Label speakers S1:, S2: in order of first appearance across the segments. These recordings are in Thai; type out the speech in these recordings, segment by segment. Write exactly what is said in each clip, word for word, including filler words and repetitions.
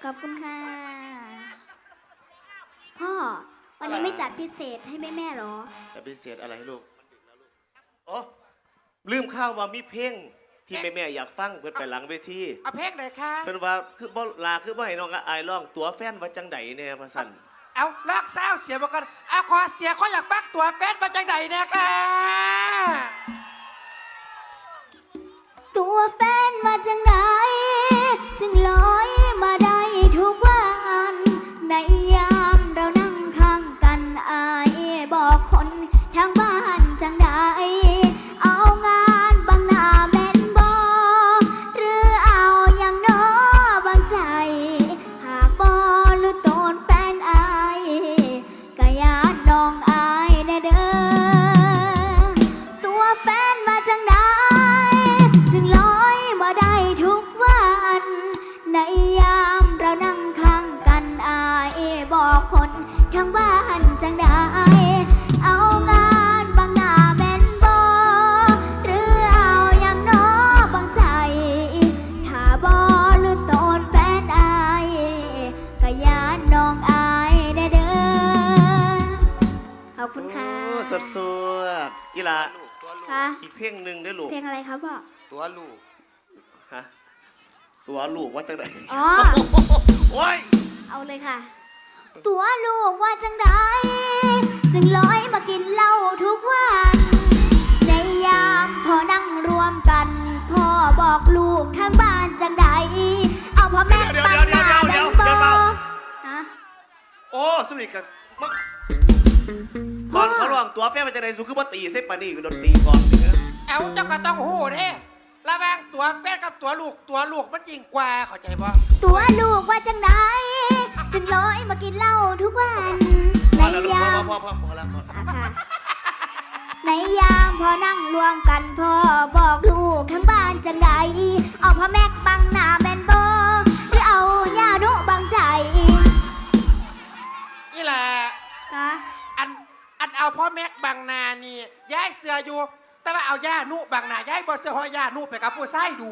S1: ขอบคุณค่ะพ่อวันนี้ไม่จัดพิเศษให้แม่แม่หรอ
S2: จะพิเศษอะไรลูกอ๋อลืมข้าวว่ามีเพลงที่แม่แม่อยากฟังเพื่อนไปหลังเวที
S3: เอาเพลงไหนคะ
S2: เพื่อนว่าคือบ่ลาคือบ่ให้น้องอายร้องตัวแฟนว่าจังใดเนี่ยพะสัน
S3: เอาลอกเศร้าเสียมาก่อนเอาขอเสียเขาอยากฟังตัวแฟนมาจากไหนเนี่ยค่ะ
S1: ตัวแฟนมาจากไหนจึงลอยมาได้ทุกวันในยามเรานั่งข้างกันอายบอกคนทางบ้านจังใดเอางานบางหน้าแม่นบอหรือเอาอย่างน้อบางใจหากบอหรือโตนแฟนอายก็ยานน้องอายแน่เด้อตัวแฟนมาจากไหนจึงลอยมาได้ทุกวันในยามเรานั่งข้างกันอายบอกคนทางบ้านจังได้เอางานบางหน้าแม่นบอหรือเอาอย่างน้อบางใจถ้าบอหรือโตนแฟนอายก็ยานน้องอายแน่เด้อขอบคุณค่ะ
S2: สดสดกีฬา
S1: ค่ะ
S2: อีกเพลงหนึ่งได้ลูก
S1: เพลงอะไรครับพ่อ
S3: ตัวลูก
S2: ฮะตัวลูกว่าจังใด
S1: อ๋อ
S2: โอ้ย
S1: เอาเลยค่ะตัวลูกว่าจังใดจึงลอยมากินเหล้าทุกวันในยามพอนั่งรวมกันพ่อบอกลูกทางบ้านจังใดเอาพ่อแม่ปังหน้าแบงบอฮะ
S2: โอ้สุริกับมักตอนเขาลองตัวแฟนมันจะได้สูคือว่าตีเส้นปานี่คือโดนตีก่อน
S3: เอาเจ้าก็ต้องหูเด้ระหว่างตัวแฟนกับตัวลูกตัวลูกมันยิ่งกว่าเข้าใจป่ะ
S1: ตัวลูกว่าจังใดจึงลอยมากินเหล้าทุกวันในยาม
S2: พอพอพอแล้ว
S1: ในยามพอนั่งรวมกันพ่อบอกลูกทั้งบ้านจังใดเอาพ่อแม่บังหน้าแม่นบอหรือเอาย่าดุบังใจ
S3: นี่แหละอันอันเอาพ่อแม็กบางนานี่ย้ายเสืออยู่แต่ว่าเอาย่านุบางนาย้ายบอเสือหอย่านุไปกับผู้ชายดู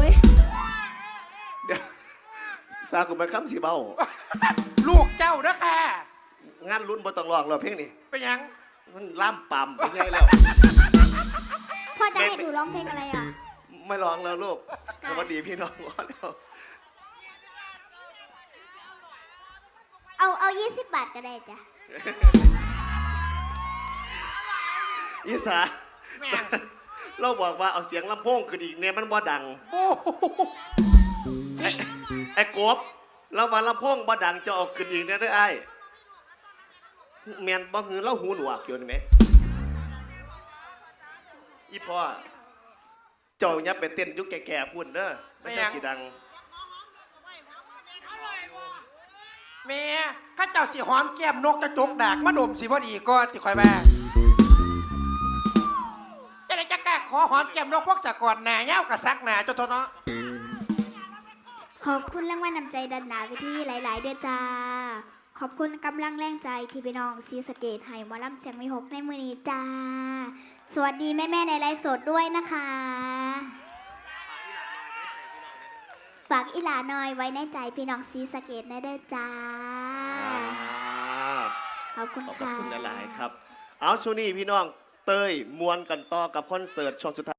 S2: เดี๋ยวซาคุณไปค้ำสีเบา
S3: ลูกเจ้านะค่ะ
S2: งานรุ่นบ่ต้องร้องหรอกเพลงนี้
S3: เป็นยัง
S2: มันล่ำปั่มเป็นไงแล้ว
S1: พ่อจะให้หนูร้องเพลงอะไรอ่ะ
S2: ไม่ร้องแล้วลูกสวัสดีพี่น้องก่อนแล้ว
S1: เอาเอายี่สิบบาทก็ได้จ้ะ
S2: อีสาเราบอกว่าเอาเสียงลำโพงขึ้นอีกเนี่ยมันบ่ดังไอ้ไอ้กบเราว่าลำโพงบ่ดังจะออกขึ้นอีกเนี่ยได้ไอ้แมนบ่หือเราหูหนวกอยู่นี่ไหมอีพ่อเจ้าเนี่ยเป็นเต้นยุคแก่ๆพูดเด้อไม่ใช่สีดัง
S3: เมียข้าเจ้าสีหอมแก้มนกกระจกดากมาดมสีพอดีก็ติคอยแม่จะได้จะกล้าขอหอมแก้มนกพวกสะกอนหนาเย้ากระซักหนาเจ้าทนเนาะ
S1: ขอบคุณรางวัลนำใจดันหนาไปที่หลายๆเดือนจ้าขอบคุณกำลังแรงใจที่พี่น้องซีสเกตให้หมอลำเสียงมีหกในมือนี้จ้าสวัสดีแม่ๆในไลฟ์สดด้วยนะคะฝากอีหลาหน่อยไว้ในใจพี่น้องซีสเกตได้ด้วยจ้าขอบคุณค่ะ
S2: ขอบคุณหลายๆครับเอาช่วงนี้พี่น้องเตยมวนกันต่อกับคอนเสิร์ตช่วงสุดท้าย